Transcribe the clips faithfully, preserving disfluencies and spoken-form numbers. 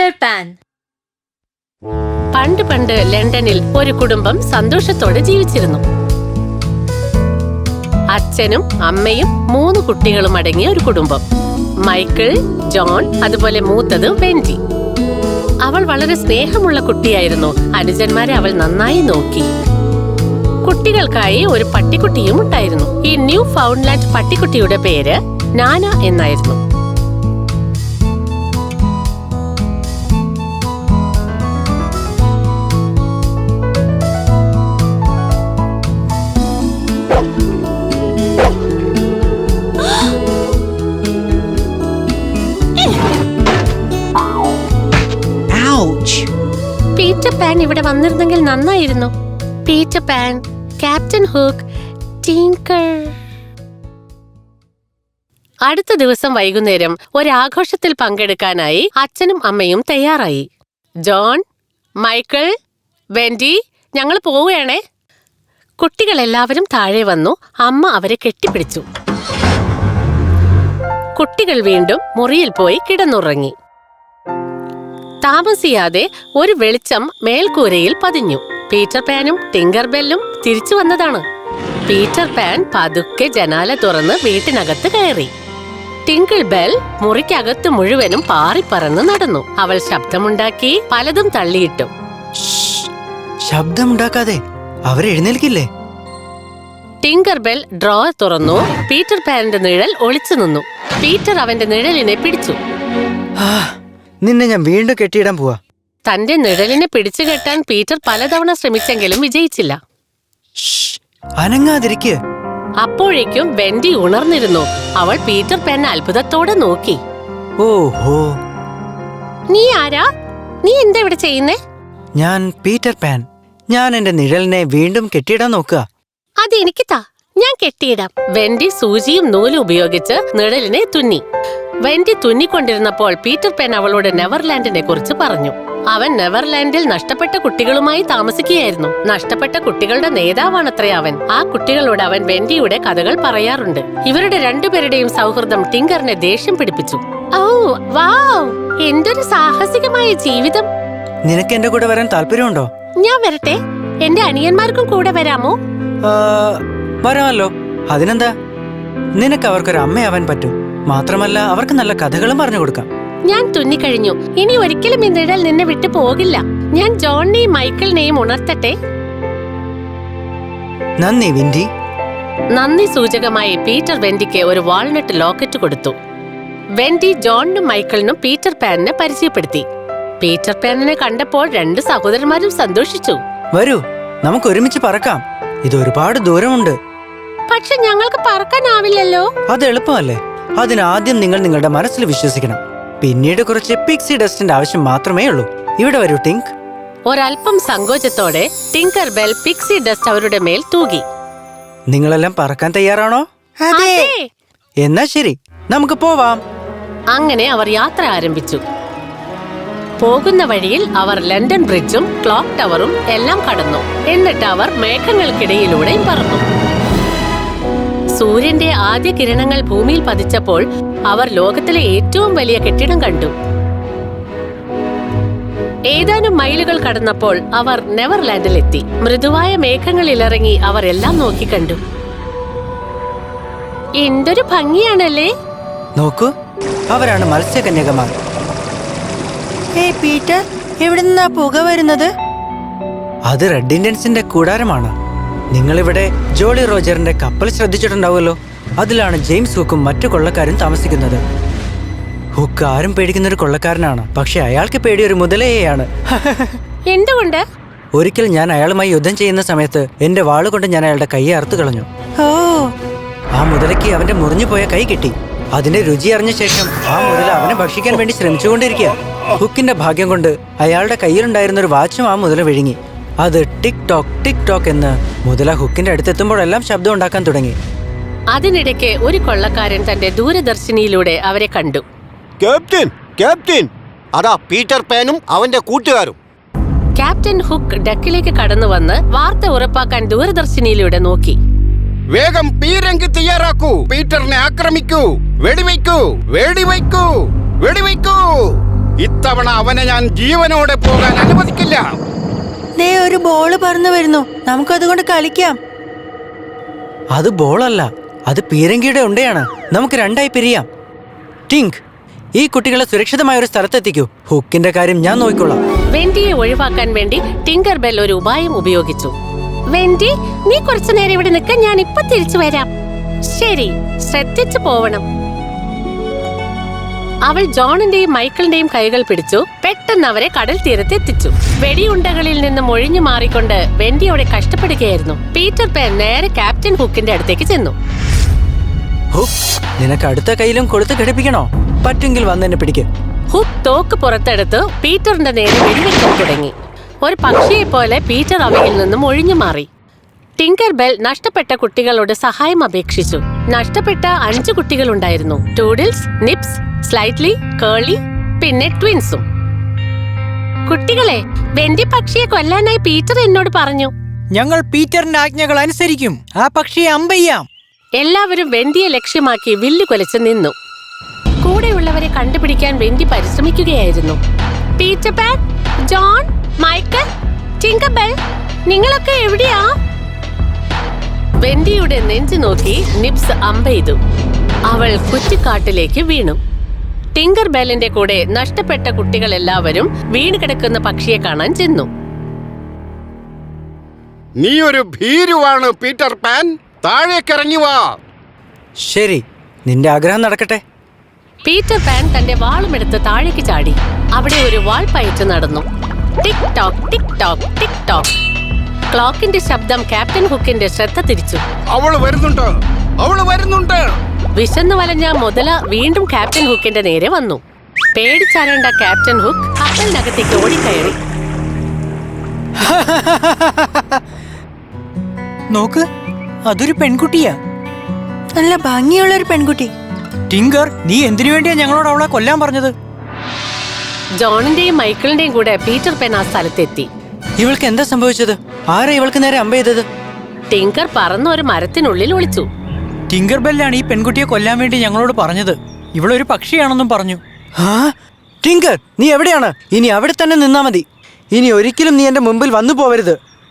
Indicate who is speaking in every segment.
Speaker 1: Peter pan.
Speaker 2: പണ്ട് പണ്ട് ലണ്ടനിൽ ഒരു കുടുംബം സന്തോഷത്തോടെ ജീവിച്ചിരുന്നു. അച്ഛനും അമ്മയും മൂന്ന് കുട്ടികളും അടങ്ങിയ ഒരു കുടുംബം. മൈക്കിൾ, ജോൺ, അതുപോലെ മൂത്തത് വെൻഡി. അവൾ വളരെ സ്നേഹമുള്ള കുട്ടിയായിരുന്നു. അനുജന്മാരെ അവൾ നന്നായി നോക്കി. കുട്ടികൾക്കായി ഒരു പട്ടിക്കുട്ടിയും ഉണ്ടായിരുന്നു. ഈ ന്യൂ ഫൗണ്ട്ലാൻഡ് പട്ടിക്കുട്ടിയുടെ പേര് നാന എന്നായിരുന്നു. പീറ്റർ പാൻ ഇവിടെ വന്നിരുന്നെങ്കിൽ നന്നായിരുന്നു. Peter Pan, captain Hook, Tinker. അടുത്ത ദിവസം വൈകുന്നേരം ഒരാഘോഷത്തിൽ പങ്കെടുക്കാനായി അച്ഛനും അമ്മയും തയ്യാറായി. ജോൺ, മൈക്കിൾ, വെൻഡി, ഞങ്ങൾ പോവുകയാണേ. കുട്ടികളെല്ലാവരും താഴെ വന്നു. അമ്മ അവരെ കെട്ടിപ്പിടിച്ചു. കുട്ടികൾ വീണ്ടും മുറിയിൽ പോയി കിടന്നുറങ്ങി. താമസിയാതെ ഒരു വെളിച്ചം മേൽക്കൂരയിൽ പതിഞ്ഞു. പീറ്റർ പാനും ടിങ്കർ ബെല്ലും തിരിച്ചു വന്നതാണ്. പീറ്റർ പാൻ പതുക്കെ ജനാല തുറന്ന് വീട്ടിനകത്ത് കയറി. ടിങ്കിൾ ബെൽ മുറിക്കകത്ത് മുഴുവനും പാറിപ്പറന്ന് നടന്നു. അവൾ ശബ്ദമുണ്ടാക്കി പലതും തള്ളിയിട്ടു.
Speaker 3: ശബ്ദമുണ്ടാക്കാതെ അവരെഴുന്നേൽക്കില്ലേ?
Speaker 2: ടിങ്കർ ബെൽ ഡ്രോവർ തുറന്നു. പീറ്റർ പാനിന്റെ നിഴൽ ഒളിച്ചു നിന്നു. പീറ്റർ അവന്റെ നിഴലിനെ പിടിച്ചു.
Speaker 3: നിന്നെ ഞാൻ വീണ്ടും കെട്ടിയിടാൻ പോവാ.
Speaker 2: തന്റെ നിഴലിനെ പിടിച്ചു കെട്ടാൻ പീറ്റർ പലതവണ ശ്രമിച്ചെങ്കിലും വിജയിച്ചില്ല.
Speaker 3: അനങ്ങാതിരിക്കുക.
Speaker 2: അപ്പോഴേക്കും വെൻഡി ഉണർന്നിരുന്നു. അവൾ പീറ്റർ പാനെ അത്ഭുതത്തോടെ നോക്കി.
Speaker 3: ഓഹോ,
Speaker 2: നീ ആരാ? നീ എന്താ ഇവിടെ ചെയ്യുന്നേ?
Speaker 3: ഞാൻ പീറ്റർ പാൻ. ഞാൻ എന്റെ നിഴലിനെ വീണ്ടും കെട്ടിയിടാൻ നോക്കുക.
Speaker 2: അത് എനിക്ക് താ, ഞാൻ കെട്ടിയിടാം. വെൻഡി സൂചിയും നൂലും ഉപയോഗിച്ച് നിഴലിനെ തുന്നി. വെൻഡി തുന്നിക്കൊണ്ടിരുന്നപ്പോൾ പീറ്റർ പാൻ അവളോട് നെവർലാൻഡിനെ കുറിച്ച് പറഞ്ഞു. അവൻ നെവർലാൻഡിൽ നഷ്ടപ്പെട്ട കുട്ടികളുമായി താമസിക്കുകയായിരുന്നു. നഷ്ടപ്പെട്ട കുട്ടികളുടെ നേതാവാണത്രേ അവൻ. ആ കുട്ടികളോട് അവൻ വെൻഡിയുടെ കഥകൾ പറയാറുണ്ട്. ഇവരുടെ രണ്ടുപേരുടെയും സൗഹൃദം ടിങ്കറിനെ ദേഷ്യം പിടിപ്പിച്ചു. ഓ വാവ്, എന്തൊരു സാഹസികമായ ജീവിതം!
Speaker 3: നിനക്ക് എന്റെ കൂടെ വരാൻ താല്പര്യമുണ്ടോ?
Speaker 2: ഞാൻ വരട്ടെ? എന്റെ അനിയന്മാർക്കും കൂടെ വരാമോ?
Speaker 3: വരാമല്ലോ. അതിനെന്താ? നിനക്ക് അവർക്കൊരു അമ്മയാവാൻ പറ്റും. മാത്രമല്ല അവർക്ക് നല്ല കഥകളും പറഞ്ഞു കൊടുക്കാം.
Speaker 2: ഞാൻ തുന്നിക്കഴിഞ്ഞു. ഇനി ഒരിക്കലും ഈ നിഴൽ നിന്നെ വിട്ടു പോകില്ല. ഞാൻ ജോണിനെയും മൈക്കിളിനെയും ഉണർത്തട്ടെ.
Speaker 3: നന്ദി വെൻഡി.
Speaker 2: നന്ദി സൂചകമായി പീറ്റർ വെൻഡിക്ക് ഒരു വാൾനട്ട് ലോക്കറ്റ് കൊടുത്തു. വെൻഡി ജോണിനും മൈക്കിളിനും പീറ്റർ പാനിനെ പരിചയപ്പെടുത്തി. പീറ്റർ പാനിനെ കണ്ടപ്പോൾ രണ്ട് സഹോദരന്മാരും സന്തോഷിച്ചു.
Speaker 3: വരൂ, നമുക്ക് ഒരുമിച്ച് പറക്കാം. ഇത് ഒരുപാട് ദൂരമുണ്ട്.
Speaker 2: പക്ഷെ ഞങ്ങൾക്ക് പറക്കാനാവില്ലല്ലോ.
Speaker 3: അത് എളുപ്പമല്ലേ? അതിനാദ്യം നിങ്ങൾ നിങ്ങളുടെ മനസ്സിൽ വിശ്വസിക്കണം. പിന്നീട് കുറച്ച് പിക്സി ഡസ്റ്റിന്റെ ആവശ്യം മാത്രമേ ഉള്ളൂ. ഇവിടെ വരൂ ടിങ്ക്.
Speaker 2: ഒരൽപ്പം സങ്കോചത്തോടെ ടിങ്കർ ബെൽ പിക്സി ഡസ്റ്റ് അവരുടെ മേൽ തൂകി.
Speaker 3: നിങ്ങളെല്ലാം പറക്കാൻ തയ്യാറാണോ?
Speaker 2: അതെ.
Speaker 3: എന്നാ ശരി, നമുക്ക് പോവാം.
Speaker 2: അങ്ങനെ അവർ യാത്ര ആരംഭിച്ചു. പോകുന്ന വഴിയിൽ അവർ ലണ്ടൻ ബ്രിഡ്ജും ക്ലോക്ക് ടവറും എല്ലാം കടന്നു. എന്നിട്ട് അവർ മേഘങ്ങൾക്കിടയിലൂടെ പറന്നു. സൂര്യന്റെ ആദ്യ കിരണങ്ങൾ ഭൂമിയിൽ പതിച്ചപ്പോൾ അവർ ലോകത്തിലെ ഏറ്റവും വലിയ കെട്ടിടം കണ്ടു. ഏതാനും മൈലുകൾ കടന്നപ്പോൾ അവർ നെവർലാൻഡിലെത്തി. മൃദുവായ മേഘങ്ങളിൽ ഇറങ്ങി അവർ എല്ലാം നോക്കിക്കണ്ടു. എന്തൊരു ഭംഗിയാണല്ലേ!
Speaker 3: നോക്കൂ, അവരാണ് മത്സ്യകന്യകമാർ. പീറ്റർ, എവിടെ നിന്നാ പുക വരുന്നത്? അത് റെഡ് ഇന്ത്യൻസിന്റെ കൂടാരമാണ്. നിങ്ങളിവിടെ ജോളി റോജറിന്റെ കപ്പൽ ശ്രദ്ധിച്ചിട്ടുണ്ടാവുമല്ലോ. അതിലാണ് ജെയിംസ് ഹുക്കും മറ്റു കൊള്ളക്കാരും താമസിക്കുന്നത്. ഹുക്ക് ആരും പേടിക്കുന്ന ഒരു കൊള്ളക്കാരനാണ്. പക്ഷെ അയാൾക്ക് പേടി ഒരു മുതലയെയാണ്.
Speaker 2: എന്തുകൊണ്ട്?
Speaker 3: ഒരിക്കൽ ഞാൻ അയാളുമായി യുദ്ധം ചെയ്യുന്ന സമയത്ത് എന്റെ വാളുകൊണ്ട് ഞാൻ അയാളുടെ കൈ അറുത്തു കളഞ്ഞു. ഓ, ആ മുതലയ്ക്ക് അവന്റെ മുറിഞ്ഞുപോയ കൈ കിട്ടി. അതിന്റെ രുചി അറിഞ്ഞ ശേഷം ആ മുതല അവനെ ഭക്ഷിക്കാൻ വേണ്ടി ശ്രമിച്ചുകൊണ്ടിരിക്കുക. ഹുക്കിന്റെ ഭാഗ്യം കൊണ്ട് അയാളുടെ കയ്യിലുണ്ടായിരുന്ന ഒരു വാച്ചും ആ മുതല വിഴുങ്ങി. അത് ടിക് ടോക്ക് ടിക് ടോക്ക് എന്ന് മുതല ഹുക്കിന്റെ അടുത്തെത്തുമ്പോഴെല്ലാം ശബ്ദം ഉണ്ടാക്കാൻ തുടങ്ങി.
Speaker 2: അതിനിടയ്ക്ക് ഒരു കൊള്ളക്കാരൻ തന്റെ ദൂരദർശിനിയിലൂടെ അവരെ കണ്ടു.
Speaker 4: ക്യാപ്റ്റൻ, ക്യാപ്റ്റൻ, അതാ പീറ്റർ പാനും അവന്റെ കൂട്ടുകാരും.
Speaker 2: ക്യാപ്റ്റൻ ഹുക്ക് ഡെക്കിലേക്ക് കടന്നു വന്ന് വാർത്ത ഉറപ്പാക്കാൻ ദൂരദർശിനിയിലൂടെ നോക്കി.
Speaker 4: വേഗം പീരങ്കി തയ്യാറാക്കൂ, പീറ്ററിനെ ആക്രമിക്കൂ, വെടിവെക്കൂ, വെടിവെക്കൂ, വെടിവെക്കൂ.
Speaker 1: ഇത്തവണ അവനെ ഞാൻ ജീവനോടെ പോകാൻ അനുവദിക്കില്ല.
Speaker 3: ദേ ഒരു ബോള് പറന്നു വരുന്നു, നമുക്കതുകൊണ്ട് കളിക്കാം. അത് ബോളല്ല, അത് പീരങ്കിയുടെ ഉണ്ടയാണ്. നമുക്ക് രണ്ടായി പിരിയാം. ടിങ്ക്, ഈ കുട്ടികളെ സുരക്ഷിതമായ ഒരു സ്ഥലത്തെത്തിക്കൂ. ഹുക്കിന്റെ കാര്യം ഞാൻ നോക്കിക്കൊള്ളാം.
Speaker 2: വെൻഡിയെ ഒഴിവാക്കാൻ വേണ്ടി ടിങ്കർ ബെൽ ഒരു ഉപായം ഉപയോഗിച്ചു. വെൻഡി, നീ കുറച്ചു നേരം ഇവിടെ നിൽക്ക, ഞാൻ ഇപ്പൊ തിരിച്ചു വരാം. ശരി, ശ്രദ്ധിച്ചു പോവണം. അവൾ ജോണിന്റെയും മൈക്കിളിന്റെയും കൈകൾ പിടിച്ചു പെട്ടെന്ന് അവരെ കടൽ തീരത്തെത്തിച്ചു. വെടിയുണ്ടകളിൽ നിന്നും ഒഴിഞ്ഞു മാറിക്കൊണ്ട് വെൻഡിയോടെ കഷ്ടപ്പെടുകയായിരുന്നു. പീറ്റർ പാൻ നേരെ ക്യാപ്റ്റൻ ഹുക്കിന്റെ അടുത്തേക്ക് ചെന്നു.
Speaker 3: ഹുക്ക്, നിനക്ക് അടുത്ത കയ്യിലും കൊടുത്ത് ഘടിപ്പിക്കണോ? പറ്റെങ്കിൽ വന്നെന്നെ പിടിക്ക്.
Speaker 2: ഹുക്ക് തോക്ക് പുറത്തെടുത്ത് പീറ്ററിന്റെ നേരെ വെടിവെക്കാൻ തുടങ്ങി. ഒരു പക്ഷിയെ പോലെ പീറ്റർ അവയിൽ നിന്നും ഒഴിഞ്ഞു മാറി. ടിങ്കർ ബെൽ നഷ്ടപ്പെട്ട കുട്ടികളോട് സഹായം അപേക്ഷിച്ചു. നഷ്ടപ്പെട്ട അഞ്ചു കുട്ടികളുണ്ടായിരുന്നു: ടൂഡിൽസ്, നിപ്സ്, സ്ലൈറ്റ്ലി, കേളി, പിന്നെ ട്വിൻസും. കുട്ടികളെ, വെൻഡി പക്ഷിയെ കൊല്ലാനായി പീറ്റർ എന്നോട് പറഞ്ഞു.
Speaker 5: ഞങ്ങൾ പീറ്ററിന്റെ ആജ്ഞകൾ അനുസരിക്കും. ആ പക്ഷിയെ അമ്പയ്യാം.
Speaker 2: എല്ലാവരും വെൻഡിയെ ലക്ഷ്യമാക്കി വില്ലു കൊലച്ച് നിന്നു. കൂടെയുള്ളവരെ കണ്ടുപിടിക്കാൻ വെൻഡി പരിശ്രമിക്കുകയായിരുന്നു. Peter Pan, John, Michael, Tinker Bell, നിങ്ങളൊക്കെ എവിടെയാ? വെൻഡിയുടെ നെഞ്ചു നോക്കി നിപ്സ് അമ്പെയ്തു. അവൾ കുറ്റിക്കാട്ടിലേക്ക് വീണു. ടിങ്കർ ബെല്ലിന്റെ കൂടെ നഷ്ടപ്പെട്ട കുട്ടികൾ എല്ലാവരും വീണ് കിടക്കുന്ന പക്ഷിയെ കാണാൻ ചെന്നു.
Speaker 1: നീ ഒരു ഭീരുവാണ് പീറ്റർ പാൻ. താഴേക്കിറങ്ങി വാ.
Speaker 3: ശരി, നിന്റെ ആഗ്രഹം നടക്കട്ടെ.
Speaker 2: പീറ്റർ പാൻ തന്റെ വാളുമെടുത്ത് താഴേക്ക് ചാടി. അവിടെ ഒരു വാൾ പയറ്റ് നടന്നു. Tick tock, tick tock, tick tock. ക്ലോക്കിന്റെ ശബ്ദം ക്യാപ്റ്റൻ ഹുക്കിന്റെ ശ്രദ്ധ തിരിച്ചു.
Speaker 1: അവള് വരുന്നുണ്ട്, അവള് വരുന്നുണ്ട്.
Speaker 2: വിശന്നു വലഞ്ഞ മുതല വീണ്ടും ക്യാപ്റ്റൻ ഹുക്കിന്റെ നേരെ വന്നു. പേടിച്ചരണ്ട ക്യാപ്റ്റൻ ഹുക്ക് കപ്പലിനകത്തേക്ക് ഓടിക്കയറി.
Speaker 5: നോക്ക്, അതൊരു പെൺകുട്ടിയാ.
Speaker 3: നല്ല ഭംഗിയുള്ള ഒരു പെൺകുട്ടി.
Speaker 5: ടിങ്കർ, നീ എന്തിനു വേണ്ടിയാ ഞങ്ങളോട് അവളെ കൊല്ലാൻ പറഞ്ഞത്?
Speaker 2: ജോണിന്റെയും മൈക്കിളിന്റെയും കൂടെ പീറ്റർ പാൻ ആ സ്ഥലത്തെത്തി.
Speaker 3: ഇവൾക്ക് എന്താ സംഭവിച്ചത്? ആരാ ഇവൾക്ക് നേരെ അമ്പ ചെയ്തത്?
Speaker 2: ടിങ്കർ പറന്ന് ഒരു മരത്തിനുള്ളിൽ ഒളിച്ചു.
Speaker 5: ടിങ്കർ ബെല്ലാണ് ഈ പെൺകുട്ടിയെ കൊല്ലാൻ വേണ്ടി ഞങ്ങളോട് പറഞ്ഞത്. ഇവളൊരു പക്ഷിയാണെന്നും പറഞ്ഞു.
Speaker 3: ആ, ടിങ്കർ, നീ എവിടെയാണ്? ഇനി അവിടെ തന്നെ നിന്നാ മതി. ഇനി ഒരിക്കലും നീ എന്റെ മുമ്പിൽ വന്നു പോവരുത്.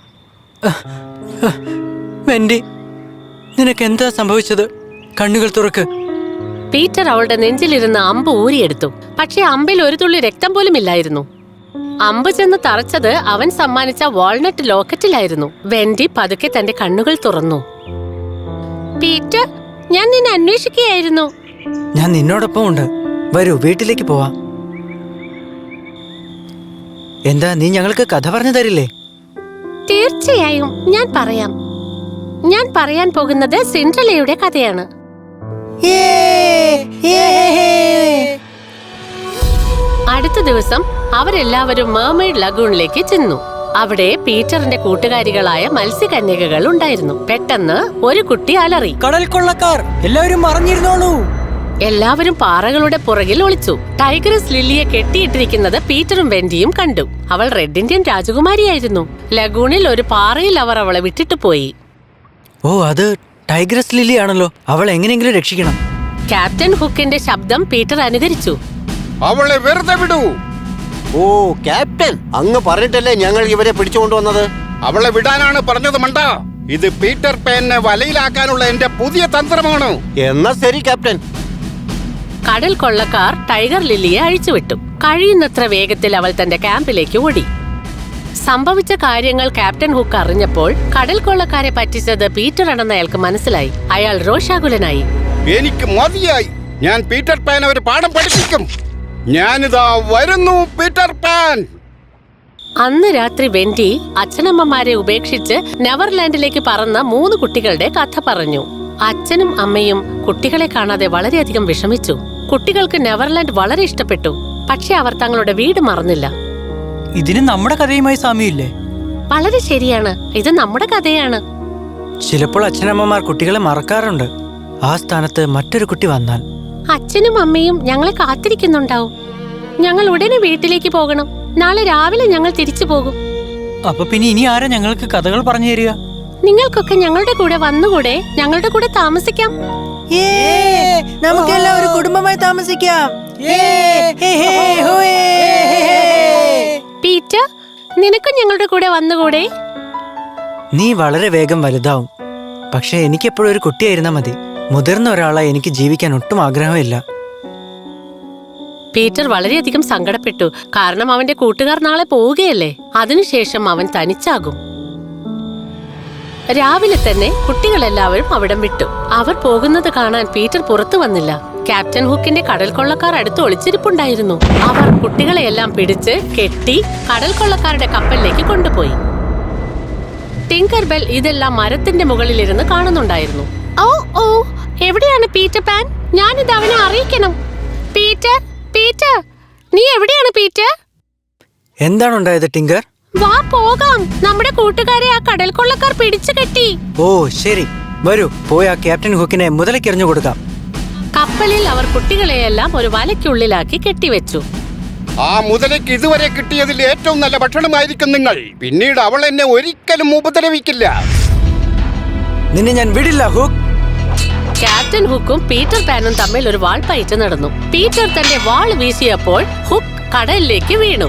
Speaker 3: വെൻഡി, നിനക്ക് എന്താ സംഭവിച്ചത്? കണ്ണുകൾ തുറക്ക്.
Speaker 2: പീറ്റർ അവളുടെ നെഞ്ചിലിരുന്ന് അമ്പ് ഊരിയെടുത്തു. പക്ഷെ അമ്പിൽ ഒരു തുള്ളി രക്തം പോലും ഇല്ലായിരുന്നു. അമ്പ് ചെന്ന് തറച്ചത് അവൻ സമ്മാനിച്ച വാൾനട്ട് ലോക്കറ്റിലായിരുന്നു. വെൻഡി പതുക്കെ തന്റെ കണ്ണുകൾ തുറന്നു. പീറ്റർ, ഞാൻ നിന്നെ അന്വേഷിക്കുകയായിരുന്നു.
Speaker 3: ഞാൻ നിന്നോടൊപ്പം ഉണ്ട്. വരൂ, വീട്ടിലേക്ക് പോവാം. എന്താ, നീ ഞങ്ങൾക്ക് കഥ പറഞ്ഞു തരില്ലേ?
Speaker 2: തീർച്ചയായും ഞാൻ പറയാം. ഞാൻ പറയാൻ പോകുന്നത് സിൻഡ്രലയുടെ കഥയാണ്. അടുത്ത ദിവസം അവരെല്ലാവരും മെർമെയ്ഡ് ലഗൂണിലേക്ക് ചെന്നു. അവിടെ പീറ്ററിന്റെ കൂട്ടുകാരികളായ മത്സ്യകന്യകകൾ ഉണ്ടായിരുന്നു. പെട്ടെന്ന് ഒരു കുട്ടി അലറി.
Speaker 5: കടൽ കൊള്ളക്കാർ എല്ലാവരും മറിഞ്ഞിരുന്നോളൂ.
Speaker 2: എല്ലാവരും പാറകളുടെ പുറകിൽ ഒളിച്ചു. ടൈഗ്രസ് ലില്ലിയെ കെട്ടിയിട്ടിരിക്കുന്നത് പീറ്ററും വെൻഡിയും കണ്ടു. അവൾ റെഡ് ഇന്ത്യൻ രാജകുമാരിയായിരുന്നു. ലഗൂണിൽ ഒരു പാറയിൽ അവർ അവളെ വിട്ടിട്ട് പോയി.
Speaker 3: ഓ, അത് ടൈഗ്രസ് ലില്ലി ആണല്ലോ. അവൾ എങ്ങനെയെങ്കിലും രക്ഷിക്കണം.
Speaker 2: ക്യാപ്റ്റൻ ഹുക്കിന്റെ ശബ്ദം പീറ്റർ അനുകരിച്ചു.
Speaker 1: അവളെ വെറുതെ വിടൂ.
Speaker 4: ഓ ക്യാപ്റ്റൻ, അങ്ങ് പറഞ്ഞിട്ടല്ലേ ഞങ്ങൾ ഇവരെ പിടിച്ചുകൊണ്ടുവന്നത്?
Speaker 1: അവളെ വിടാനാണ് പറഞ്ഞത് മണ്ട. ഇത് പീറ്റർ പാനെ വലയിലാക്കാനുള്ള എന്റെ പുതിയ തന്ത്രമാണ്.
Speaker 4: എന്നാ ശരി ക്യാപ്റ്റൻ.
Speaker 2: കടൽ കൊള്ളക്കാർ ടൈഗർ ലില്ലിയെ അഴിച്ചുവിട്ടു. കഴിയുന്നത്ര വേഗത്തിൽ അവൾ തന്റെ ക്യാമ്പിലേക്ക് ഓടി. സംഭവിച്ച കാര്യങ്ങൾ ക്യാപ്റ്റൻ ഹുക്ക് അറിഞ്ഞപ്പോൾ കടൽ കൊള്ളക്കാരെ പറ്റിച്ചത് പീറ്റർ ആണെന്ന് അയാൾക്ക് മനസ്സിലായി. അയാൾ രോഷാകുലനായി.
Speaker 1: എനിക്ക് മതിയായി. ഞാൻ പീറ്റർ പാനെ ഒരു പാഠം പഠിപ്പിക്കും. ഞാനിതാ വരുന്നു, പീറ്റർ പാൻ.
Speaker 2: അന്ന് രാത്രി വെൻഡി അച്ഛനമ്മമാരെ ഉപേക്ഷിച്ച് നെവർലാൻഡിലേക്ക് പറന്ന മൂന്ന് കുട്ടികളുടെ കഥ പറഞ്ഞു. അച്ഛനും അമ്മയും കുട്ടികളെ കാണാതെ വളരെയധികം വിഷമിച്ചു. കുട്ടികൾക്ക് നെവർലാൻഡ് വളരെ ഇഷ്ടപ്പെട്ടു. പക്ഷെ അവർ തങ്ങളുടെ വീട് മറന്നില്ല.
Speaker 5: ഇതിന് നമ്മുടെ കഥയുമായി സാമ്യമില്ലേ?
Speaker 2: വളരെ ശരിയാണ്, ഇത് നമ്മുടെ കഥയാണ്.
Speaker 3: ചിലപ്പോൾ അച്ഛനമ്മമാർ കുട്ടികളെ മറക്കാറുണ്ട്. ആ സ്ഥാനത്ത് മറ്റൊരു കുട്ടി വന്നാൽ
Speaker 2: അച്ഛനും അമ്മയും ഞങ്ങളെ കാത്തിരിക്കുന്നുണ്ടാവും. ഞങ്ങൾ ഉടനെ വീട്ടിലേക്ക് പോകണം. നാളെ രാവിലെ ഞങ്ങൾ തിരിച്ചു പോകും.
Speaker 5: അപ്പൊ പിന്നെ ഇനി ആരാ ഞങ്ങൾക്ക് കഥകൾ പറഞ്ഞു തരിക?
Speaker 2: നിങ്ങൾക്കൊക്കെ ഞങ്ങളുടെ കൂടെ വന്നുകൂടെ? ഞങ്ങളുടെ കൂടെ താമസിക്കാം.
Speaker 3: നമുക്കെല്ലാം ഒരു കുടുംബമായി താമസിക്കാം.
Speaker 2: പീറ്റർ, നിനക്കും ഞങ്ങളുടെ കൂടെ വന്നുകൂടെ?
Speaker 3: നീ വളരെ വേഗം വലുതാവും. പക്ഷെ എനിക്കെപ്പോഴും ഒരു കുട്ടിയായിരുന്നാ മതി. മുതിർന്ന ഒരാളായി എനിക്ക് ജീവിക്കാൻ ഒട്ടും ആഗ്രഹമില്ല.
Speaker 2: പീറ്റർ വളരെയധികം സങ്കടപ്പെട്ടു. കാരണം അവന്റെ കൂട്ടുകാർ നാളെ പോവുകയല്ലേ. അതിനുശേഷം അവൻ തനിച്ചാകും. രാവിലെ തന്നെ കുട്ടികളെല്ലാവരും അവിടം വിട്ടു. അവർ പോകുന്നത് കാണാൻ പീറ്റർ പുറത്തു വന്നില്ല. ക്യാപ്റ്റൻ ഹുക്കിന്റെ കടൽ കൊള്ളക്കാർ അടുത്ത് ഒളിച്ചിരിപ്പുണ്ടായിരുന്നു. അവർ കുട്ടികളെയെല്ലാം പിടിച്ച് കെട്ടി കടൽ കൊള്ളക്കാരുടെ കപ്പലിലേക്ക് കൊണ്ടുപോയി. ടിങ്കർ ബെൽ ഇതെല്ലാം മരത്തിന്റെ മുകളിലിരുന്ന് കാണുന്നുണ്ടായിരുന്നു. ഓ ഓ എവിടെയാണ് പീറ്റർ പാൻ? ഞാനിത് അവനെ അറിയിക്കണം. പീറ്റർ, പീറ്റർ, നീ എവിടെയാണ് പീറ്റർ?
Speaker 3: എന്താണ് ഉണ്ടായത് ടിങ്കർ?
Speaker 2: വാ പോകാം. നമ്മുടെ കൂട്ടുകാരെ ആ കടൽ കൊള്ളക്കാർ പിടിച്ചു കെട്ടി.
Speaker 3: ഓ ശരി, വരൂ, പോയി ആ ക്യാപ്റ്റൻ ഹുക്കിനെ മുതലക്കെറിഞ്ഞു കൊടുക്കാം.
Speaker 2: കപ്പലിൽ അവർ കുട്ടികളെയെല്ലാം ഒരു വലയ്ക്കുള്ളിലാക്കി കെട്ടിവെച്ചു.
Speaker 1: ആ മുതലേക്ക് ഇതുവരെ കിട്ടിയതിൽ ഏറ്റവും നല്ല ഭക്ഷണമായിരിക്കും നിങ്ങൾ. പിന്നീട് അവൾ എന്നെ ഒരിക്കലും ഉപദ്രവിക്കില്ല.
Speaker 3: നിന്നെ ഞാൻ വിടില്ല ഹുക്ക്.
Speaker 2: ക്യാപ്റ്റൻ ഹുക്കും പീറ്റർ പാനും തമ്മിൽ ഒരു വാൾപ്പയറ്റ് നടന്നു. പീറ്റർ തന്റെ വാൾ വീശിയപ്പോൾ ഹുക്ക് കടലിലേക്ക് വീണു.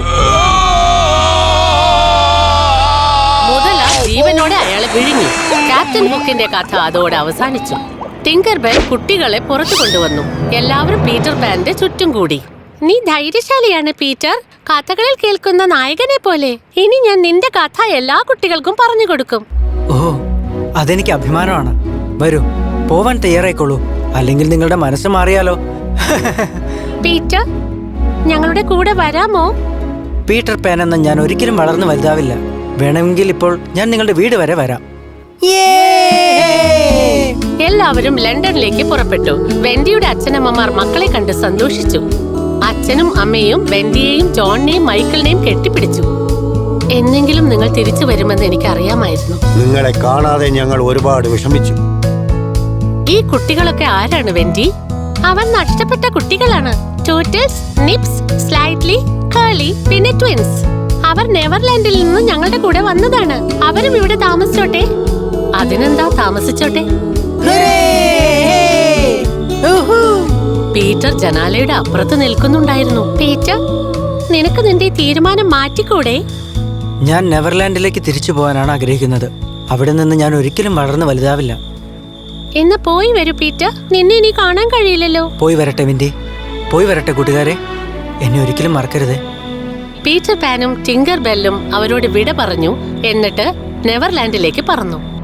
Speaker 2: മുതല ജീവനോടെ അയാളെ വിഴുങ്ങി. ക്യാപ്റ്റൻ ഹുക്കിന്റെ കഥ അതോടെ അവസാനിച്ചു. ടിങ്കർ ബെൽ കുട്ടികളെ പുറത്തു കൊണ്ടുവന്നു. എല്ലാവരും പീറ്റർ പാന്റെ ചുറ്റും കൂടി. നീ ധൈര്യശാലിയാണ് പീറ്റർ, കഥകളിൽ കേൾക്കുന്ന നായകനെ പോലെ. ഇനി ഞാൻ നിന്റെ കഥ എല്ലാ കുട്ടികൾക്കും പറഞ്ഞു കൊടുക്കും.
Speaker 3: ഓ, അതെനിക്ക് അഭിമാനമാണ്. വരൂ, പോവാൻ തയ്യാറായിക്കോളൂ, അല്ലെങ്കിൽ നിങ്ങളുടെ മനസ്സ് മാറിയാലോ.
Speaker 2: പീറ്റർ, ഞങ്ങളുടെ കൂടെ വരാമോ?
Speaker 3: പീറ്റർ പാൻ എന്ന ഞാൻ ഒരിക്കലും വളർന്നു വലുതാവില്ല. വേണമെങ്കിൽ ഇപ്പോൾ ഞാൻ നിങ്ങളുടെ വീട് വരെ വരാം.
Speaker 2: എല്ലാവരും ലണ്ടനിലേക്ക് പുറപ്പെട്ടു. വെൻഡിയുടെ അച്ഛനമ്മമാർ മക്കളെ കണ്ട് സന്തോഷിച്ചു. അച്ഛനും അമ്മയും വെൻഡിയെയും ജോണിനെയും മൈക്കിളിനെയും കെട്ടിപ്പിടിച്ചു. എന്നെങ്കിലും നിങ്ങൾ തിരിച്ചു വരുമെന്ന് എനിക്ക് അറിയാമായിരുന്നു.
Speaker 4: നിങ്ങളെ കാണാതെ ഞങ്ങൾ ഒരുപാട് വിഷമിച്ചു.
Speaker 2: ഈ കുട്ടികളൊക്കെ ആരാണ് വെൻഡി? അവൻ നഷ്ടപ്പെട്ട കുട്ടികളാണ്. ടൂട്ടിൽസ്, നിപ്സ്, സ്ലൈറ്റ്ലി, കേളി, പിന്നെ ട്വിൻസ്. അവർ നെവർലാൻഡിൽ നിന്ന് ഞങ്ങളുടെ കൂടെ വന്നതാണ്. അവരും ഇവിടെ താമസിച്ചോട്ടെ. അതിനെന്താ, താമസിച്ചോട്ടെ. പീറ്റർ ജനാലയുടെ അപ്പുറത്ത് നിൽക്കുന്നുണ്ടായിരുന്നു. പീറ്റർ, നിനക്ക് നിന്റെ തീരുമാനം മാറ്റിക്കൂടെ?
Speaker 3: ഞാൻ നെവർലാൻഡിലേക്ക് തിരിച്ചു പോകാനാണ് ആഗ്രഹിക്കുന്നത്. അവിടെ നിന്ന് ഞാൻ ഒരിക്കലും വളർന്നു വലുതാവില്ല.
Speaker 2: ഇന്ന് പോയി വരൂ പീറ്റർ, നിന്നെ ഇനി കാണാൻ കഴിയില്ലല്ലോ.
Speaker 3: പോയി വരട്ടെ വിൻഡി, പോയി വരട്ടെ കൂട്ടുകാരെ, എന്നെ ഒരിക്കലും മറക്കരുത്.
Speaker 2: പീറ്റർ പാനും ടിങ്കർ ബെല്ലും അവരോട് വിട പറഞ്ഞു. എന്നിട്ട് നെവർലാൻഡിലേക്ക് പറന്നു.